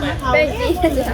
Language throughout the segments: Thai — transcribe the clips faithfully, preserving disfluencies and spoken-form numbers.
เป็นจี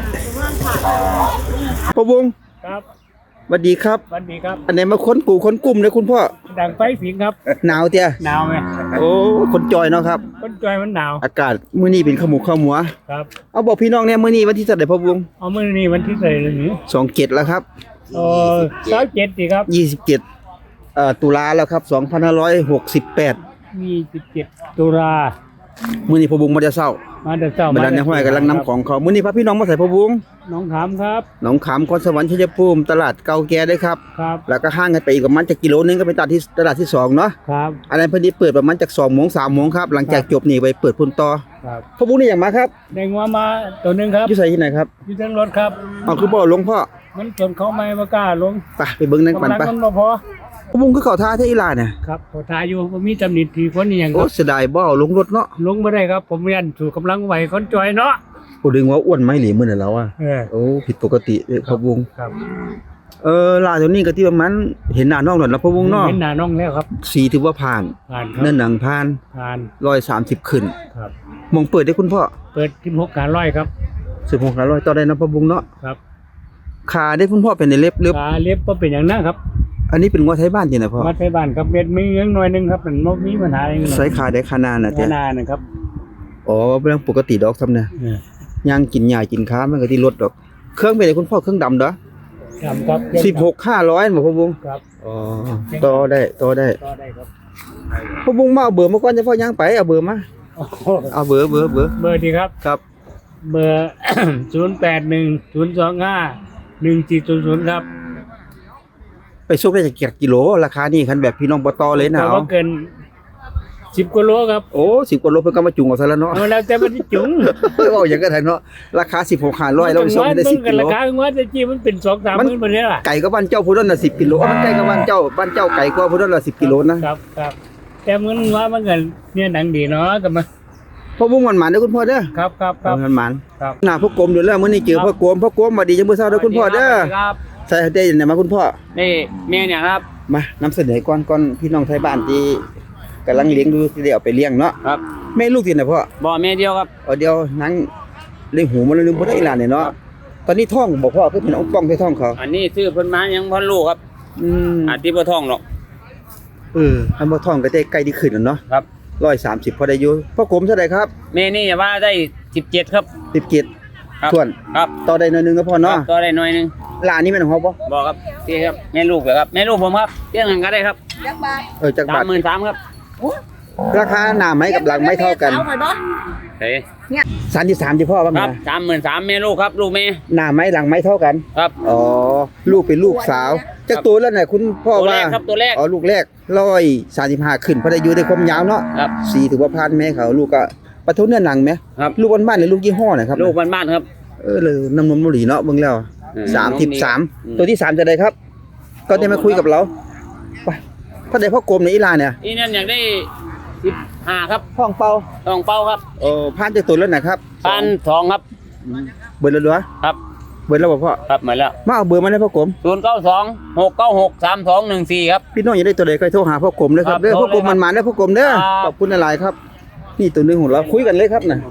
พ่อวงครับสวัสดีครับสวัสดีครับอันไหนมาค้นกูค้นกลุ่มเลยคุณพ่อดังไฟผิงครับหนาวเตี้ยหนาวไหมโอ้คนจอยเนาะครับคนจอยมันหนาวอากาศมื้อนี้เป็นขมุกขมัวครับเอาบอกพี่น้องเนี่ยมื้อนี้วันที่เท่าใดพ่อวงเอามื้อนี้วันที่เท่าไหร่นี่สองเจ็ดแล้วครับเออสามสิบเจ็ดสิครับยี่สิบเจ็ดเอ่อตุลาแล้วครับสองพันห้าร้อยหกสิบแปดยี่สิบเจ็ดตุลามื้อนี้พ่อวงมาจะเช้ามาแต่เช้ามาดันในห้อยกำลังนำของเขามื้อนี้พาพี่น้องมาใส่พ่อวงน้องขามครับหนองขามคอนสวรรค์ชัยภูมิตลาดเก่าแก่ด้วยครับครับแล้วก็ห้างกันไปอีกประมาณจักกิโลนึงก็เป็นตลาดที่ตลาดที่สองเนาะครับอันนั้นเพิ่นสิเปิดประมาณจากสองโมงสามโมงครับหลังจากจบนี่ไปเปิดพุ่นต่อครับพ่อวงนี่อย่างมาครับได้งัวมาตัวนึงครับอยู่ไสที่ไหนครับอยู่ทางรถครับเอาคือบ่ลงพ่อมันจนเขาไม่บ่กล้าลงไปไปเบิ่งนั่นก่อนไปมันบ่พอพ่อวงคือเข้าท่าเทอีหลาเนี่ยครับขอทายอยู่บ่มีตำหนิทีคนนี่หยังคโอ้รับเสียดายบ่เอาลงรถเนาะลงบ่ได้ครับผมเรียนสู่กำลังไหวคนจอยเนาะกูดึงว่าอ้วนไหมหรือมื้อนั้นแล้วอ่ะเออโอ้ผิดปกติเด้อพ่อวงครับเออลาตัวนี้ก็ที่ประมาณเห็นหน้าน้องแล้วนะพ่อวงเนาะเห็นหน้าน้องแล้วครับสีถือว่าผ่านผ่านครับเนื้อหนังผ่านผ่านหนึ่งร้อยสามสิบขึ้นครับมองเปิดได้คุณพ่อเปิดสิบหกการร้อยครับสิบหกร้อยต่อได้นะพ่อวงเนาะครับขาได้คุณพ่อเป็นในเล็บเล็บขาเล็บบ่เป็นหยังนะครับอันนี้เป็นงัวไทยบ้านจริงนะพ่อวัดไทยบ้านครับเม็ดมีเงินหน่อยนึงครับมันบ่มีปัญหาอย่างใส่ขาได้ขนาดน่ะขนาดนะครับอ๋อเป็นเรื่องปกติดอกซ้ำเนี่ยย่างกินหญ้ากินค้ามันก็ที่ลดดอกเครื่องเป็นไงคุณพ่อเครื่องดำเด้อดำครับสิบหก ห้าร้อยบ่พ่อวงครับอ๋อต่อได้ต่อได้ต่อได้ครับพ่อวงมาเอาเบอร์มาก่อนจะพ่อย่างไปเอาเบอร์มาเอาเบอร์เบอร์เบอร์เบอร์ดีครับครับเบอร์ ศูนย์ แปด หนึ่ง ศูนย์ สอง ห้า หนึ่ง สี่ ศูนย์ ศูนย์ครับไปส่งได้จากกี่กิโลราคานี่คันแบบพี่น้องบ่ต่อเลยนะเอาเกินสิบกว่าโลครับโอ้สิบกว่าโลเพิ่นก็มาจุงเอาซะแล้วเนาะเอาแล้วแต่มันจุงเว้าอย่างกันเนาะราคาสิบหก ห้าร้อยแล้วไปส่งได้สิบกิโลราคาว่าจะจี้มันเป็น สองสาม หมื่นบ่ได้ล่ะไก่ก็บ้านเจ้าพุ่นนั่นน่ะสิบกิโลมันใกล้กับบ้านเจ้าบ้านเจ้าไก่กว่าพุ่นนั่นละสิบกิโลนะครับครับแต่มันว่ามันก็เนี่ยหนังดีเนาะก็มาพ่อวงมันหมานเด้อคุณพ่อเด้อครับครับครับมันหมานครับหน้าพ่อกรมอยู่แล้วมื้อนี้เจอพ่อกรมพ่อกรมมาดีจังมื้อเช้าเด้อคุณพ่อเด้อครับใส่ได้ไหนมาคุณพ่อนี่แม่เนี่ยครับมานำเสนอก่อนก่อนพี่น้องไทยบ้านที่กำลังเลี้ยงดูสิได้เอาไปเลี้ยงเนาะครับแม่ลูกที่ไหนพ่อบ่แม่เดียวครับอ๋อเดียวนั่งเลี้ยงหูมันลืมบ่ได้อีหลานเนี่ยเนาะตอนนี้ท้องบ่พ่อคือเป็นองค์ป้องที่ท้องเขาอันนี้ซื้อเพิ่นมายังบ่รู้ครับอืมอาจสิบ่ท้องหรอกเอออันบ่ท้องก็ได้ใกล้ที่ขึ้นแล้วเนาะครับหนึ่งร้อยสามสิบพอได้อยู่พ่อกรมเท่าใดครับแม่นี่ว่าได้สิบเจ็ดครับสิบเจ็ดส่วนครับต่อได้หน่อยนึงก็พอเนาะต่อได้หน่อยนึงหลานนี่แม่นของเฮาบ่บ่ครับที่ครับแม่ลูกเหรอครับแม่ลูกผมครับเที่ยงกันก็ได้ครับจักบาทเออจักบาทสามหมื่นสามพัน ครับราคาหน้าไม้กับหลังไม้เท่ากันเฮ้ยสามสิบสามที่พ่อว่าไงครับสามหมื่นสามแม่ลูกครับลูกแม่หน้าไม้หลังไม้เท่ากันครับอ๋อลูกเป็นลูกสาวจักตัวแล้วน่ะคุณพ่อว่าครับตัวแรกอ๋อลูกแรกหนึ่งร้อยสามสิบห้าขึ้นพอได้อยู่ได้ความยาวเนาะครับสีถือว่าผ่านแม่เขาลูกก็ปะทุเนื้อหนังไหมครับลูกบ้านๆหรือลูกยี่ห้อไหนครับลูกบ้านๆครับเออเลยน้ำนมบุหรี่เนาะเบิ่งแล้วสามสิบสามตัวที่สามจะได้ครับก็ได้มาคุยกับเราไปถ้าได้พ่อกรมในอีลาเนี่ยอีนั่นอยากได้สิบห้าครับห้องเป่าห้องเป่าครับโอ้ผ่านจากตัวแล้วนะครับผ่านสองครับเบอร์ละด้วยครับเบอร์แล้วบ่พ่อครับเหมือนแล้วมาเอาเบอร์มาได้พ่อกรมศูนย์เก้าสองหกเก้าหกสามสองหนึ่งสี่ครับพี่น้องอยากได้ตัวใดก็โทรหาพ่อกรมเลยครับเด้อพ่อกรมมันมาได้พ่อกรมเด้อขอบคุณหลายๆครับนี่ตัวนึงของเราคุยกันเลยครับน่ะ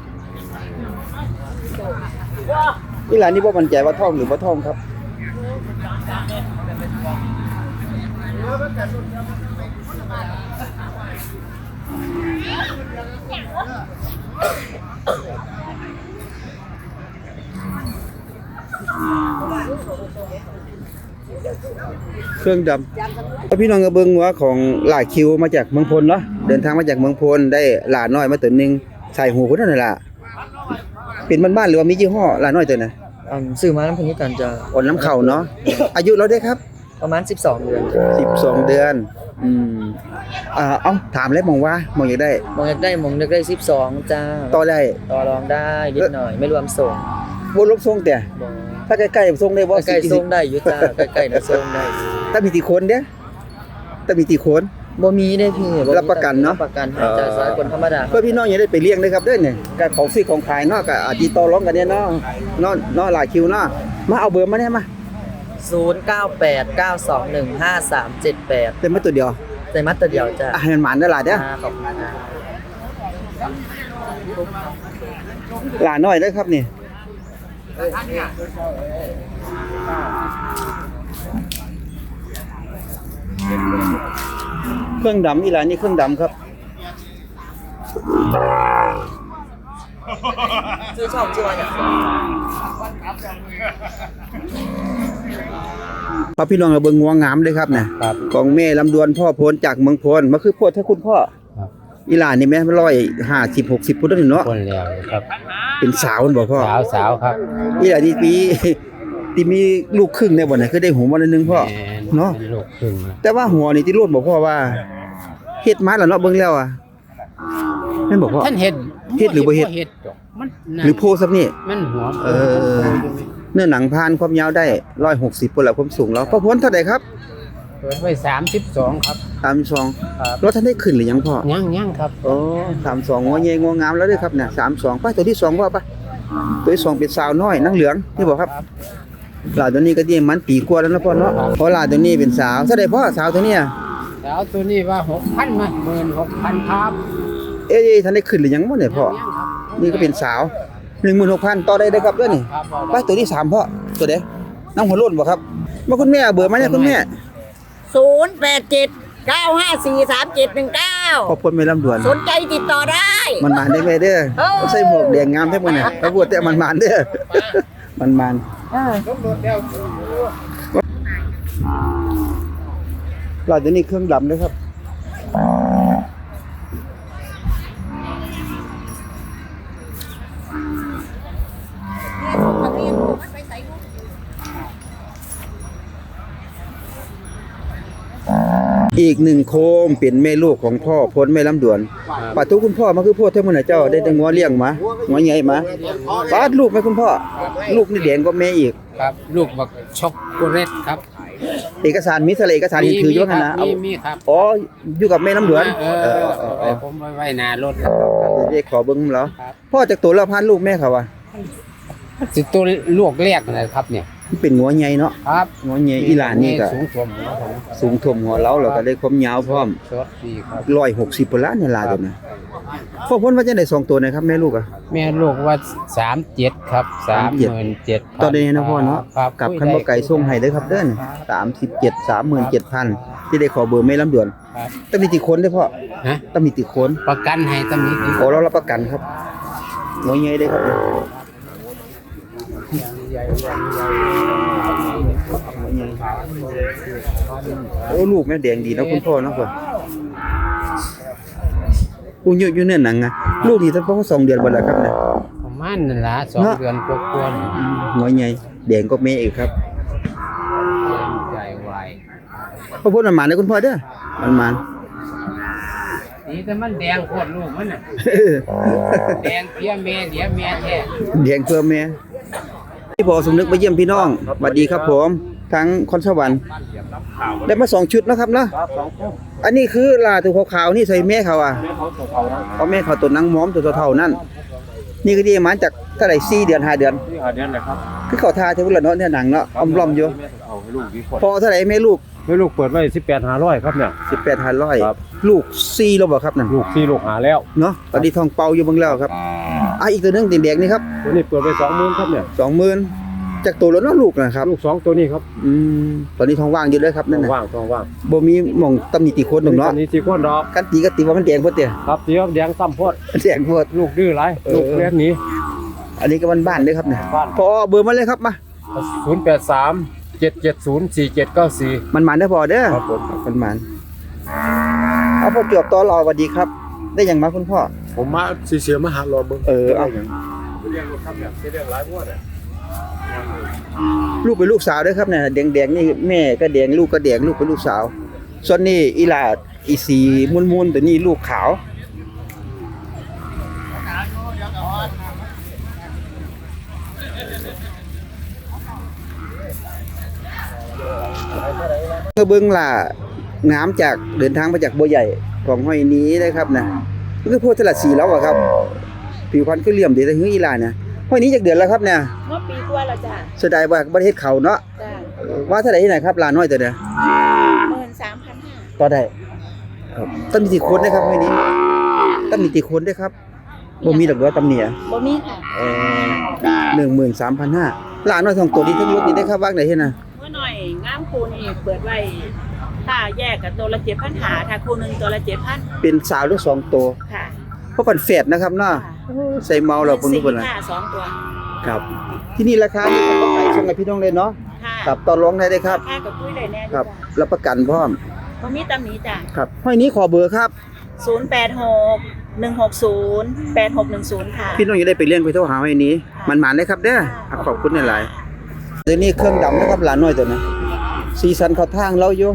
นี่หลานนี่บ่มั่นใจว่าท้องหรือบ่ท้องครับเครื่องดำพี่น้องกระเบื้องว่าของหลายคิวมาจากเมืองพลเนาะเดินทางมาจากเมืองพลได้หลานน้อยมาตัวนึงใส่หูคนนั่นแหละเป็นบ้านๆหรือว่ามียี่ห้อหลานน้อยตัวน่ะอืมซื้อมาน้ำพันธุ์กันจะอ่อนน้ำเข่าเนาะอายุเราได้ครับประมาณสิบสองเดือนสิบสองเดือนอืมอ่าเอ้าถามแล้วมองว่ามองอยากได้มองอยากได้มองอยากได้สิบสองจ้าต่อได้ต่อรองได้นิดหน่อยไม่รวมส่งบ่รวมส่งแต่ถ้าใกล้ๆส่งได้บ่ใกล้ๆส่งได้อยู่จ้าใกล้ๆน่ะส่งได้ถ้ามีกี่คนเด้ถ้ามีกี่คนบ่มีได้พี่รับประกันเนาะรับประกันจ่ายสายคนธรรมดาเพื่อพี่น้องอย่าได้ไปเลี้ยงเลยครับเด้อเนี่ยการของซื้อของขายเนาะก็อาจสิต่อรองกันเนี่ยเนาะเนาะเนาะหลายคิวเนาะมาเอาเบอร์มาได้มาศูนย์ เก้า แปด เก้า สอง หนึ่ง ห้า สาม เจ็ด แปดเป็นมาตัวเดียวใส่มัดตัวเดียวจ้ะให้มันหมานได้หลายเด้อขอบคุณหลานน้อยเด้อครับนี่เครื่องดำอีหลานนี่เครื่องดำครับชื่อช่องชื่อว่าอย่างพระพี่น้องเราเบิ่งงัวงามเลยครับเนี่ยครับของแม่ลำดวนพ่อโพนจากเมืองพลมาคือโพดถ้าคุณพ่อครับอีหลานนี่แม่ร้อยห้าสิบหกสิบพุทธนี่เนาะคนแล้วครับเป็นสาวมันบ่พ่อสาวสาวครับอีหลานนี่ปี ที่มีลูกครึ่งได้บ่เนี่ยคือได้หัวมานึงพ่อแม่เนาะป็ลูกครึ่งนะแต่ว่าหัวนี่ที่โลดบ่พ่อว่าเฮ็ดมาแล้วเนาะเบิ่งแล้วอ่ะแม่นบ่พ่อท่านเฮ็ดเฮ็ดหรือบ่เฮ็ดเฮ็ดดอกมันนั่นหรือโพซับนี่มันหัวเออ เนื้อหนังพานความยาวได้หนึ่งร้อยหกสิบพุ่นละความสูงแล้วพ่อพ้นเท่าใดครับเปิดไว้สามสิบสองครับสามสิบสองครับรถท่านได้ขึ้นหรือยังพ่อยังยังครับโอ้สามสิบสองงัวใหญ่งัวงามแล้วเด้อครับเนี่ยสามสิบสองไปตัวที่สองพ่อไปตัวที่สองเป็นสาวน้อยนางเหลืองนี่บ่ครับหลานตัวนี้ก็ที่มันปีกว่าแล้วนะพ่อเนาะเพราะหลานตัวนี้เป็นสาวเท่าใดพ่อสาวตัวเนี้ยสาวตัวนี้ว่าหกพันมาหมื่นหกพันครับเอ๊ะท่านได้ขึ้นหรือยังบ่เนี่ยพ่อยังครับนี่ก็เป็นสาว หนึ่งหมื่นหกพัน ต่อได้เด้อครับเด้อนี่ครับเอาไปได้ตัวที่สามพ่อตัวเด้น้ำหัวโล้นบ่ครับมาคุณแม่เอาเบอร์มาเนี่ยคุณแม่ศูนย์แปดเจ็ดเก้าห้าสี่สามเจ็ดหนึ่งเก้าขอบคุณแม่ลำดวนสนใจติดต่อได้มันมานได้ไหมเด้อเออใส่หมวกแดงงามแท้บ่เนี่ยตะบวดแต่มันมานเด้อ มันมานหลอดตัวนี้เครื่องดำด้วยครับอีกหนึ่งโคมเป็นแม่ลูกของพ่อพ้นแม่ลำดวนปัดทุกคุณพ่อมาคือพ่อเท่ามื้อน่ะเจ้าได้แต่งัวเลี้ยงมางัวใหญ่มาปาดลูกไหมคุณพ่อลูกนี่แดงกว่าแม่อีกครับลูกบักช็อกโกแลตครับเอกสารมีทะเลเอกสารเห็นถืออยู่ว่างั้นนะมีมีครับอ๋ออยู่กับแม่ลำดวนเอเอออเอเอออเอเอออผมไว้ไว้หน้ารถครับเดี๋ยวขอเบิ่งแล้วครับพ่อจากตัวละพันลูกแม่เขาว่าสิตัวลูกแรกนะครับเนี่ยมันเป็นงัวใหญ่เนาะครับงัวใหญ่อีหลานนี่ก็สูงท่วมหัวผมสูงท่วมหัวเราแล้วก็ได้ความยาวพร้อมสดดีครับหนึ่งร้อยหกสิบพุ่นละเนี่ยลาตัวน่ะพ่อพ้นว่าจะได้สองตัวนะครับแม่ลูกอ่ะแม่ลูกว่าสามเจ็ดครับสามหมื่นเจ็ดตอนนี้นะพ่อเนาะครับกับคันบ่ไก่ส่งให้เด้อครับเด้อสามสิบเจ็ด สามหมื่นเจ็ดพัน ที่ได้ขอเบอร์แม่ลำดวนครับต้องมีติคนเด้อพ่อฮะต้องมีติคนประกันให้ตำหนิดีโอ้เรารับประกันครับงัวใหญ่เด้อครับโอ้ลูกแม่แดงดีเนาะคุณพ่อเนาะพ่อกูอยู่อยู่เนี่ยหนังอ่ะลูกนี่ตั้งประมาณสองเดือนบ่แล้วครับเนี่ยประมาณนั่นละสองเนาะเดือนกว่าๆนี่หัวใหญ่แดงก็แม่อีกครับใจไวพ่อพูดมันหมานเลยคุณพ่อเด้อมันหมานนี่แต่มันแดงโคตรลูกมันน่ะแดงเพี้ยแม่เดียแม่แท้แดงเพื่อแม่พี่พอสมนึกมาเยี่ยมพี่น้องสวัสดีครับผมทั้งคอนสวรรค์ได้มาสองชุดนะครับเนาะอันนี้คือลาตัวขาวๆนี่ใส่แม่เขาอ่ะเอาแม่เขาตัวนังม้อมตัวเท่าๆนั่นนี่ก็ดีมาจากเท่าไหร่สี่เดือนห้าเดือนที่หาเดือนเลยครับคือเขาทาเทวละเนาะเนี่ยหนังเนาะอมล้อมอยู่เอาให้ลูกดีคนพอเท่าไหร่แม่ลูกให้ลูกเปิดไว้สิบแปดหาร้อยครับเนี่ยสิบแปดพันร้อยครับลูกสี่แล้วบ่ครับนั่นลูกที่ลูกหาแล้วเนาะตอนนี้ทองเป่าอยู่เบิ่งแล้วครับอ่ะอีกตัวหนึงแดงๆนี่ครับตัวนี้เปิดไปสองหมื่นครับเนี่ยสองหมื่นจากตัวแล้วเนาะลูกนะครับลูกสองตัวนี้ครับอืมตอนนี้ท้องว่างอยู่เลยครับนั่นน่ะว่างต้องว่างบ่มีหม่องตำหนิติโคนดอกเนาะอันนี้สี่คนดอกกันตีก็ตีว่ามันแดงโพดเตี้ยครับเสียแดงซ้ำโพดแดงโพดลูกดื้อไรเออลูกเลี้ยงหนีอันนี้ก็บ้านๆเด้อครับเนี่ยบ้านพอเบอร์มาเลยครับมาศูนย์แปดสามเจ็ดเจ็ดศูนย์สี่เจ็ดเก้าสี่มันมันได้อพอเด้อครับผมมันมันเอาพอจบต่อรอสวัสดีครับ ได้หยังมาคุณพ่อผมมาสีเสียมาหารอเบิ้งเออเอาเลี้ยงลูกครับเนี่ยเลี้ยงหลายพวกเนี่ยลูกเป็นลูกสาวเด้อครับเนี่ยแดงๆนี่แม่ก็แดงลูกก็แดงลูกเป็นลูกสาว ส่วนนี้อีหลาดอีสีมุนๆตัวนี้ลูกขาวเมื่อเบิ่งล่ะน้ำจากเดินทางมาจากบัวใหญ่ของห้อยนี้นะครับนะก็คือพวกตลาดสีแล้วอะครับผิวพรรณก็เหลี่ยมดีแต่หื้ออีหลาเนี่ยห้อยนี้จากเดือนแล้วครับเนี่ยเมื่อปีกว่าแล้วจ้ะเสียดายว่าประเทศเขาเนาะจ้ะว่าเท่าไหร่ที่ไหนครับลาน้อยตัวเดียวหมื่นสามพันห้าต่อได้ครับต้องมีติคนนะครับห้อยนี้ต้องมีติคนด้วยครับบ่มีดอกเด้อตำหนิอะบ่มีค่ะเออหนึ่งหมื่นสามพันห้าหลานน้อยสองตัวนี้ทั้งรถนี่ได้ค่าว่างได้เฮ็ดน่ะเมื่อหน่อยงามคูนี่เปิดไว้ถ้าแยกกับตัวละเจ็ดพันหาถ้าคู่หนึงตัวละเจ็ดพันเป็นสาวหรือสองตัวค่ะเพราะปันแฝดนะครับเนาะใส่เมาแล้วเพิ่นสี่เพิ่นน่ะค่ะสองตัวครับ ที่นี่ราคานี่มันก็ขายส่งให้พี่น้องเลยเนาะค่ะครับต่อรองได้เด้ครับค่ากับคุยได้แน่ครับรับประกันพร้อมบ่มีตำหนิจ้ะครับห้อยนี้ขอเบอร์ครับศูนย์แปดหก หนึ่งหกศูนย์ แปดหกหนึ่งศูนย์ค่ะพี่น้องจะได้ไปเลี้ยงไปโทรหาห้อยนี้ มันหมานได้ครับเด้อครับขอบคุณหลายๆเดี๋ยวนี้เครื่องดำนะครับหลานน้อยตัวนะสีสันเข้าทางเราอยู่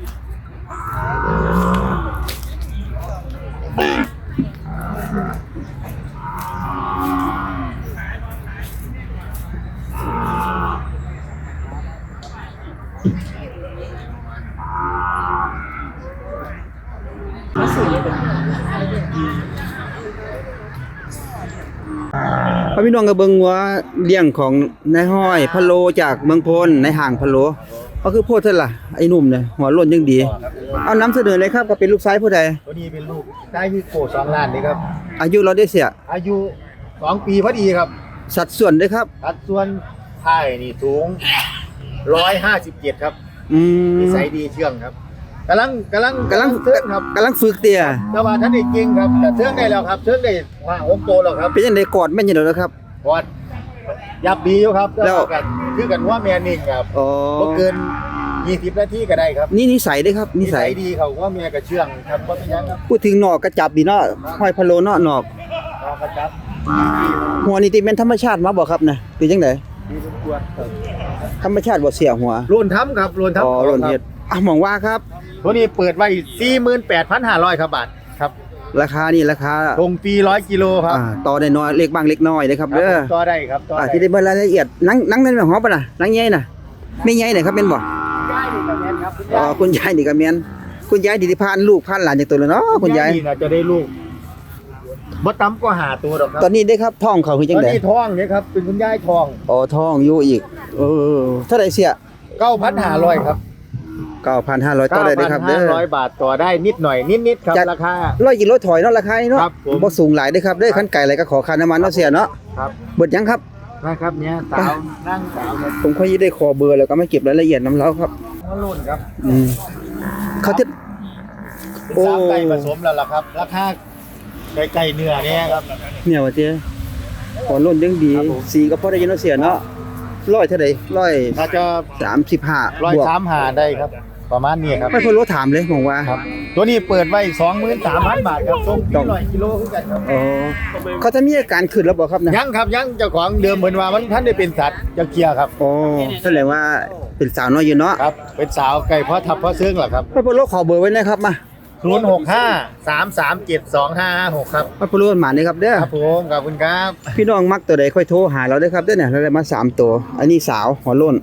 พระพี่น้องก็เบิ่งว่าเลี้ยงของนายห้อยพะโลจากเมืองพลในห่างพะโลก็คือโพดเท่าล่ะไอ้หนุ่มเนี่ยหัวโล้นยังดี เอานำเสนอเลยครับก็เป็นลูกชายผู้ใดตัวนี้เป็นลูกได้ที่โกสองล้านนี่ครับอายุเราได้เสียอายุสองปีพอดีครับสัดส่วนเด้อครับสัดส่วนไทยนี่สูงร้อยห้าสิบเจ็ดครับอืมนิสัยดีเชื่องครับกำลังกำลังกำลังเชื่องครับกำลังฝึกเตี้ยแต่ว่าท่านได้เก่งครับแต่เชื่องได้แล้วครับเชื่องได้ว่าหกโตแล้วครับเป็นจังได๋กอดแม่นจังได๋ครับพอดยับดีอยู่ครับแล้วต่ากันคือกันว่าแมนนิ่งครับอ๋อบ่เกินยี่สิบนาทีก็ได้ครับนี่นิสัยเด้อครับนิสัยดีเขาว่าเมียกับเชื่องครับว่าเป็นหยังครับพูดถึงหนอกกระจับดีเนาะห้อยพะโลเนาะหนอกรอกระจับหัวนี่ติแม่นธรรมชาติมาบ่ครับนะเป็นจังได๋ดีสมควรครับธรรมชาติบ่เสียหัวโลนทำครับโลนทำอ๋อของโลนครับเฮ็ดอ่ะหมองว่าครับตัวนี้เปิดไว้ สี่หมื่นแปดพันห้าร้อย ครับบาทครับราคานี่ราคาลงปีร้อยกิโลครับอ่าต่อได้น้อยเล็กบ้างเล็กน้อยเด้อครับครับเด้อต่อได้ครับต่ออ่าได้ที่ได้เบิ่งรายละเอียดหนังหนังนั่นแม่นหอมปะน่ะหนังใหญ่น่ะไม่ใหญ่น่ะครับแม่นบ่ได้ดีกับแม่นครับคุณอ๋อยายคุณยายนี่ก็แม่นคุณยายนี่ที่พานลูกพานหลานจากตัวแล้วเนาะคุณยายนี่น่าจะได้ลูกบ่ต่ำกว่าห้าตัวดอกครัตอนนี้ได้ครับท้องเขาคือตจังอนได๋นี้ท้องเนี่ยครับเป็นคุณยายท้องอ๋อท้องอยู่อีกเออเท่าไหร่เสียเก้าพันห้าร้อยครับเก้าพันห้าร้อยต่อได้เด้อครับเด้อเก้าพันห้าร้อยบาทต่อได้นิดหน่อยนิดๆครับจัดราคาร้อยกิโลถอยเนาะราคานี้เนาะครับผมบ่สูงหลายเด้อครับเด้อคันไก่อะไรก็ขอค่าน้ำมันเนาะเสียเนาะครับเบิดยังครับนะครับเนี่ยสาวนั่งสาวครับผมค่อยได้ขอเบอร์แล้วก็มาเก็บรายละเอียดนำเล้าครับหัวโล้นครับอืมเขาจะเป็นโอ้สาวไก่ผสมแล้วล่ะครับราคาไก่ๆเนื้อเนี่ยครับเนี่ยว่าเจ้ขอล้นยังดีครับผมสีก็พอได้ยินเนาะเสียเนาะร้อยเท่าใดร้อยถ้าจะสามสิบห้าร้อยบวกสามหาได้ครับ ประมาณนี้ครับไม่พอรู้ถามเลยมองว่าครับ ตัวนี้เปิดไว้สองหมื่นสามพันบาทครับส่งต้ปีองร้อยกิโลคือกันครับอ๋อเขาจะมีอาการขึ้นแล้วบ่ครับนะยังครับยังเจ้าของเดิมเหมือนว่ามันท่านได้เป็นสัตว์จะเคลียร์ครับอ๋อแสดงว่าเป็นสาวน้อยอยู่เนาะครับ เป็นสาวไก่เพราะทับเพราะเสื้องเหรอครับไม่พอรู้ขอเบอร์ไว้นะครับมาศูนย์หกห้าสามสามเจ็ดสองห้าห้าหกครับไม่พอรู้หมานี่ครับเด้อครับผมขอบคุณครับพี่น้องมักตัวใดค่อยโทรหาเราเด้อครับเด้อเนี่ยเราได้มาสามตัว อันนี้สาวหัวโล้น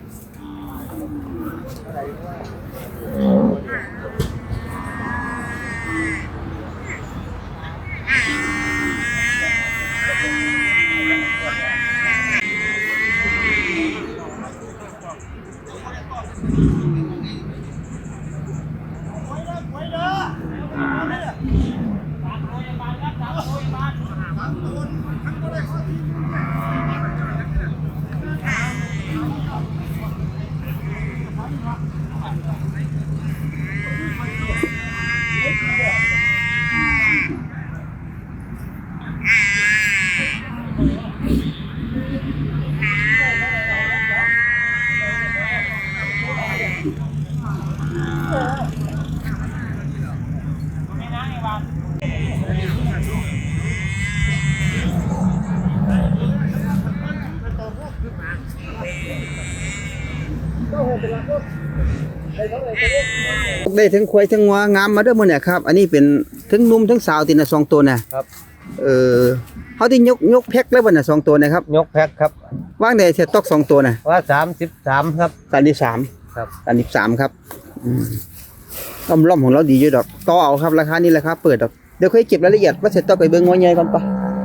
ได้ถึงควายถึงงัวงามมาเด้อมื้อเนี่ยครับ อันนี้เป็นถึงหนุ่มถึงสาวติน่ะสองตัวน่ะครับเออเฮาที่ยกยกแพ็คแล้วบ่น่ะสองตัวนะครับยกแพ็คครับวางได้เสียตอกสองตัวน่ะว่าสามสิบสามครับสามสิบสามครับสามสิบสามครับอืมล่อมๆของเราดีอยู่ดอกต่อเอาครับราคานี้ราคาเปิดดอกเดี๋ยวค่อยเก็บรายละเอียดว่าเสร็จต้องไปเบิ่งงัวใหญ่ก่อนปะ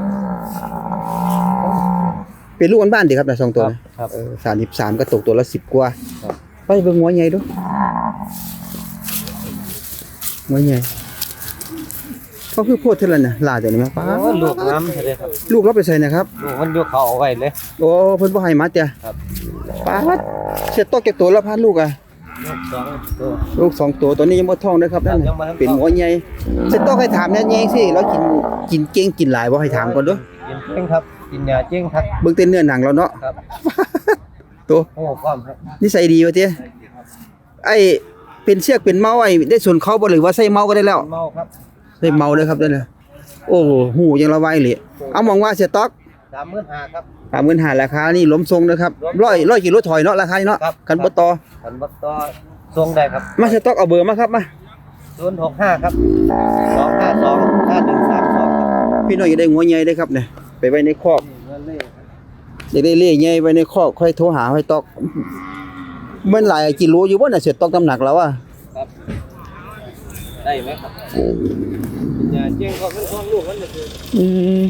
เป็นลูกบ้านๆดีครับน่ะสองตัวน่ะครับเออสามสิบสามก็ตกตัวละสิบกว่าครับไปเบิ่งงัวใหญ่ดูงัวใหญ่เขาคือโพดเท่านั้นน่ะหลาตัวนี้แม่ป้าโอ้ลูกน้ำเลยครับลูกเราไปใส่นะครับลูกมันยกเขาเอาไว้เลยโอ้เพิ่นบ่ให้มาจ้ะครับป้าดเสียตอกแก่ตัวละพันลูกอ่ะลูกสองตัวลูกสองตัวตัวนี้ยังบ่ท้องเด้อครับนั่นยังบ่ทันท้องเป็นหัวใหญ่เสียตอกให้ถามแน่แยงสิเรากินกินเก่งกินหลายบ่ให้ถามก่อนเด้อกินเจ้งครับกินยาเจ้งครับเบิ่งแต่เนื้อหนังเราเนาะครับตัวโอ้พร้อมครับนิสัยดีว่าติไอ้เป็นเชือกเป็นเมาไอ้ได้ส่วนเขาบ่หรือว่าใส่เมาก็ได้แล้วเมาครับใส่เมาเลยครับนั่นน่ะโอ้โหหูยังละไวเลยเอามองว่าเสียตอกสามหมื่นห้าครับสามหมื่นห้าราคานี่ล้มทรงนะครับร้อยร้อยกิโลถอยเนาะราคานี้เนาะครับกันบ่ต่อขันบัตต่อทรงได้ครับมาสต็อกเอาเบอร์มาครับมาศูนย์หกห้าครับสองห้าสองห้าหนึ่งสามสองครับพี่น้องอย่าได้งัวใหญ่เด้อครับเนี่ยไปไว้ในคอกเงินเล่อย่าได้เล่ใหญ่ไว้ในคอกค่อยโทรหาห้อยตอกมันหลายกิโลอยู่บ่น่ะเสียตอกน้ำหนักแล้วอ่ะครับได้ไหมครับยาเจ้งก็เป็นของลูกมันจะคืออืม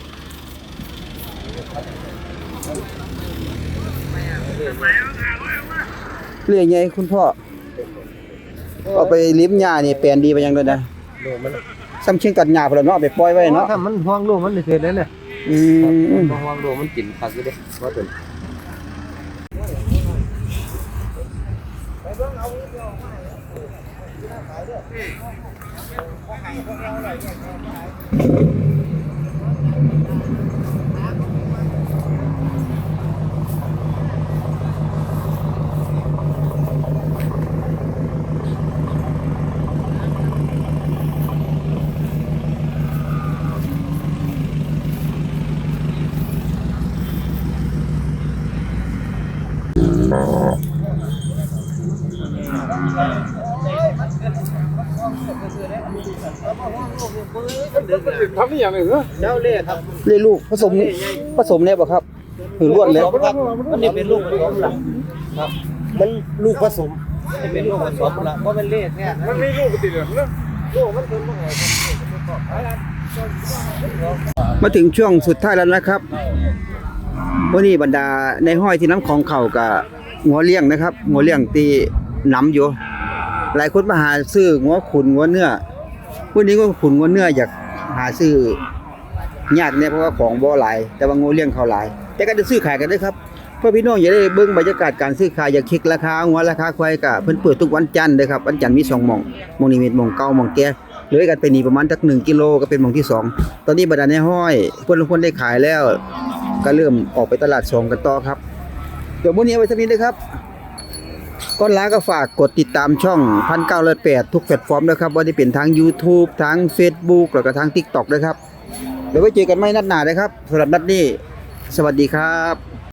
เล่ใหญ่คุณพ่อเอาไปเลี้ยงหญ้านี่แปลนดีไปยังเลยนะลูกมันซ้ำเชียงตัดหญ้าพุ่นล่ะเนาะเอาไปปล่อยไว้เนาะถ้ามันห่วงลูกมันจะคือได้เนี่ยอืมห่วงลูกมันกินผักอยู่เด้ว่าเป็นทำนี่อย่างไรเหรอเจ้าเล่ครับเล่ลูกผสมผสมเนี่ยบ่ครับหรือล้วนเลยครับมันนี่เป็นลูกผสมล่ะครับมันลูกผสมนี่เป็นลูกผสมล่ะเพราะเป็นเล่แท้มันไม่ลูกติดเหรอลูกมันเป็นบ่ไงครับมาถึงช่วงสุดท้ายแล้วนะครับวันนี้บรรดาในห้อยที่น้ำของเขากับงัวเลี้ยงนะครับงัวเลี้ยงตีน้ำอยู่ หลายคนมาหาซื้องัวขุนงัวเนื้อวันนี้ก็ขุนงัวเนื้ออยากหาซื้อยากเนี่ยเพราะว่าของบ่หลายแต่ว่างัวเลี้ยงเขาหลาย แต่ก็จะซื้อขายกันได้ครับเพื่อพี่น้องอย่าได้เบิ่งบรรยากาศการซื้อขายอย่าเช็คราคางัวราคาควายก็เพิ่นเปิดทุกวันจันทร์เด้อครับวันจันทร์มีสองหม่องหม่องนี้มีหม่องเก่าหม่องแก่เลยกันไปนี่ประมาณสักหนึ่งกิโลก็เป็นหม่องที่สองตอนนี้บรรดาในห้อยเพิ่นทุกคนได้ขายแล้ว ก็เริ่มออกไปตลาดสองกันต่อครับเดี๋ยวมื้อนี้เอาไว้สักนิดนะครับก่อนลาก็ฝากกดติดตามช่องหนึ่งพันเก้าร้อยแปดทุกแพลตฟอร์มนะครับว่าจะเป็นทาง YouTube ทาง Facebook แล้วก็ทาง TikTok ด้วยครับเดี๋ยวไว้เจอกันใหม่นัดหน้านะครับสำหรับนัดนี้สวัสดีครับ